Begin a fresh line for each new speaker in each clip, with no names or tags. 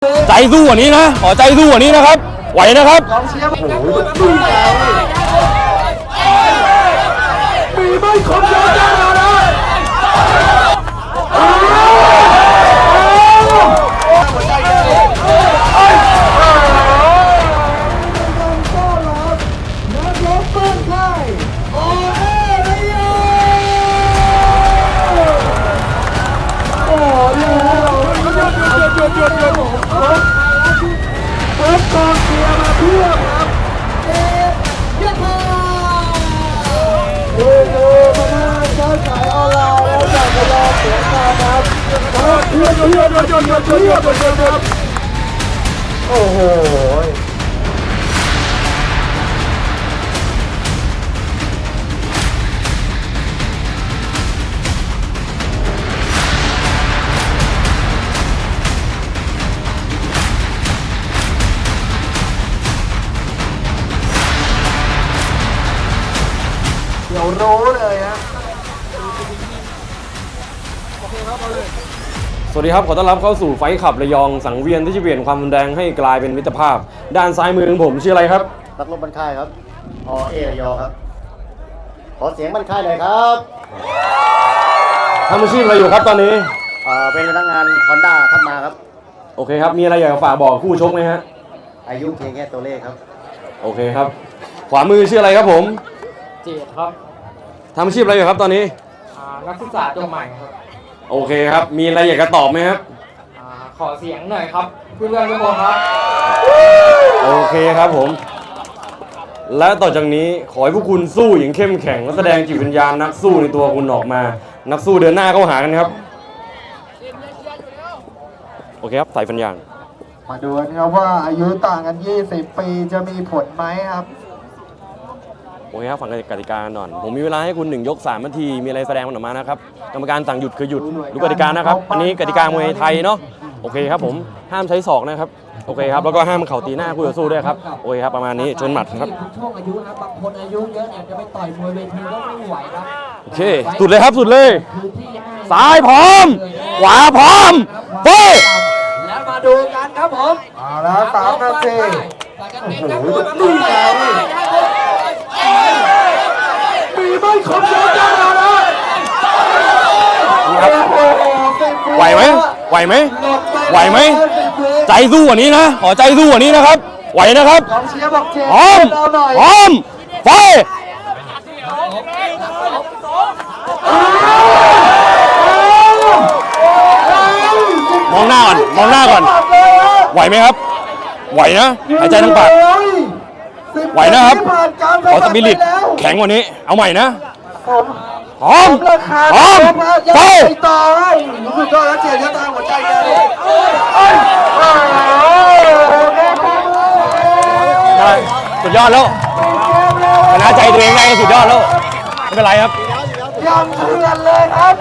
ใจสู้กว่านี้นะขอใจสู้กว่านี้นะครับไหวนะครับ
กองเชียร์โอ้โหดูแล้วมีไม่ครบแล้วจ้านะหัวใจเต้นเปิดกองเชียร์มาเพื่อครับเย้มาใช้สายออนไลน์แล้วจากรอเสียงการครับเพื่อนครับโอ้โหเดี๋ยวรู้เลยฮะ
สวัสดีครับขอต้อนรับเข้าสู่ไฟขับระยองสังเวียนที่จะเปลี่ยนความรุนแรงให้กลายเป็นมิตรภาพด้านซ้ายมือของผมชื่ออะไรครับ
นักรบบันค่ายครับเอระยองครับขอเสียงบันค่ายหน่อยครับ
ทำอาชีพอะไรอยู่ครับตอนนี้
เป็นพนักงาน Honda ทับมาครับ
โอเคครับมีอะไรอยากฝากบอกคู่ชกไหมฮะ
อายุเพียงแค่ตัวเลขครับ
โอเคครับขวามือชื่ออะไรครับผม
เจดครับ
ทำอาชีพอะไรอยู่ครับตอนนี้
นักศึกษาจบใหม่ครับ
โอเคครับมีอะไรอยากจะตอบไหมครับ
ขอเสียงหน่อยครับเพื่อนๆทุกคนครับ
โอเคครับผมและต่อจากนี้ขอให้พวกคุณสู้อย่างเข้มแข็งและแสดงจิตวิญญาณนักสู้ในตัวคุณออกมานักสู้เดินหน้าเข้าหากันครับโอเคครับใส่ฟันยาง
มาดูกันครับว่าอายุต่างกัน20 ปีจะมีผลไหมครับ
โอเคครับฟังกติกากันก่อนผมมีเวลาให้คุณ1 ยก 3 นาทีมีอะไรแสดงมันออกมานะครับกรรมการสั่งหยุดคือหยุดดูกติกานะครับอันนี้กติกามวยไทยเนาะโอเคครับผมห้ามใช้ศอกนะครับโอเคครับแล้วก็ห้ามเข่าตีหน้าคู่ต่อสู้ด้วยครับโอเคครับประมาณนี้ชนหมัดครับ
ช่วงอายุนะบางคนอายุเยอะเนี่ยจะไปต่อยมวยเวทีก็ไม่ไหวครับ
โอเคสุดเลยครับสุดเลยซ้ายพร้อมขวาพร้อมเฮ้ย
แล้วมาดูกันครับผม
เอาแล้ว3 นาทีโอ้โหดูแล้วมีไม่ครบแล้วจ้านะ
นี่ครับไหวไหมไหวไหมไหวไหมใจสู้กว่านี้นะขอใจสู้กว่านี้นะครับไหวนะครับพร้อมพร้อมไฟมองหน้าก่อนมองหน้าก่อนไหวไหมครับไหวนะหายใจทั้งปากไหวนะครับขอสปิริตแข็งกว่านี้เอาใหม่นะพร้อมพร้อมไป
ต่อสุดยอดแล้วเจียดตาหัวใจแก
สุดยอดแล้วชนะใจตัวเองได้สุดยอดแล้วไม่เป็นไรครับ
ยังเถื่อนเลยครับ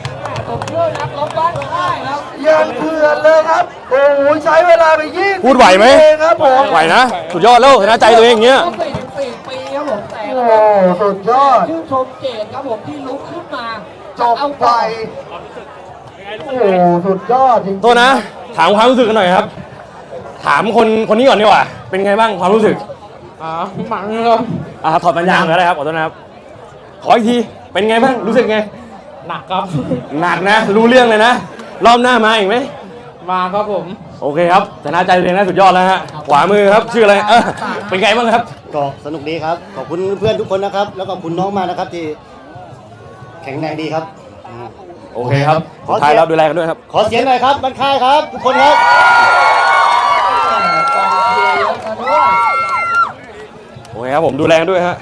ยังเถื่อนเลยครับโอ้โหใช้เวลาไป20
พูดไหวไหม
ครับผม
ไหวนะสุดยอดแล้วชนะใจตัวเองอย่างเงี้ย
44 ปีครับผมแต่
โอ้สุดยอด
ชื่นชมเจดครับผมที่ลุกขึ้นมา
จบไปโอ้สุดยอดจริง
ๆตัวนะถามความรู้สึกกันหน่อยครับถามคนนี้ก่อนดีกว่าเป็นไงบ้างความรู้สึก
หมันครับ
ถอดปัญญาก็ได้ครับขอโทษนะครับขออีกทีเป็นไงบ้างรู้สึกไง
หนักครับ
หนักนะรู้เรื่องเลยนะรอบหน้ามาอีกไหม
มาครับผม
โอเคครับชนะใจตัวเองได้สุดยอดแล้วฮะขวามือครับชื่ออะไรเป็นไงบ้างครับ
ก็สนุกดีครับขอบคุณเพื่อนทุกคนนะครับแล้วก็คุณน้องมานะครับที่แข็งแรงดีครับ
โอเคครับสุดท้ายเราดูแลกันด้วยครับ
ขอเสียงหน่อยครับบันค่ายครับทุกคนครับ
โอเคครับผมดูแลกันด้วยฮะ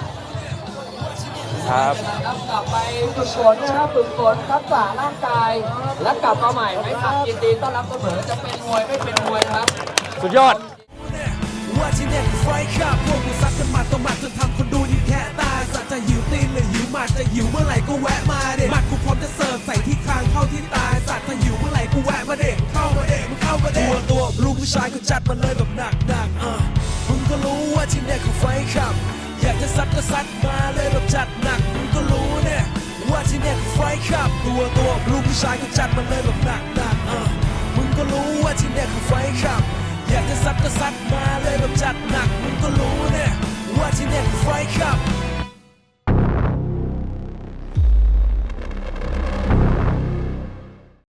ครับ
กลับไปฝึกฝนนะครับฝึกฝนทักษะร่างกายและกลับมาใหม่ไม่ขับยินดีต้อนรับเสมอจะเป็นมวยไม่เป็นมวยครับ
สุดยอด
ว่าที่เนี่ยคือไฟขับพวกกูซัดกันหมัดต่อหมัดจนทำคนดูยิ่งแค่ตายสัตว์จะหิวตีนหรือหิวหมัดจะหิวเมื่อไหร่ก็แวะมาเด็หมัดกูพร้อมจะเสิร์ฟใส่ที่คางเข้าที่ตายสัตว์ถ้าหิวเมื่อไหร่กูแวะมาเด็เข้ามาเด็มึงเข้ามาเด็ตัวลูกผู้ชายกูจัดมันเลยแบบหนักมึงก็รู้ว่าที่เนี่ยคือไฟขับอยากจะซัดก็ซัดมาเลยแบบจัดหนักมึงก็รู้เนี่ยว่าที่เนี่ยคือไฟขับตัวลูกผู้ชายกูจัดมันเลยแบบหนักมึงก็รู้ว่าที่เนี่ยคือไฟขับก็ซัดมาเลยแบบจัดหนักมึงก็รู้เนี่ยว่าที่เนี่ยคือไฟท์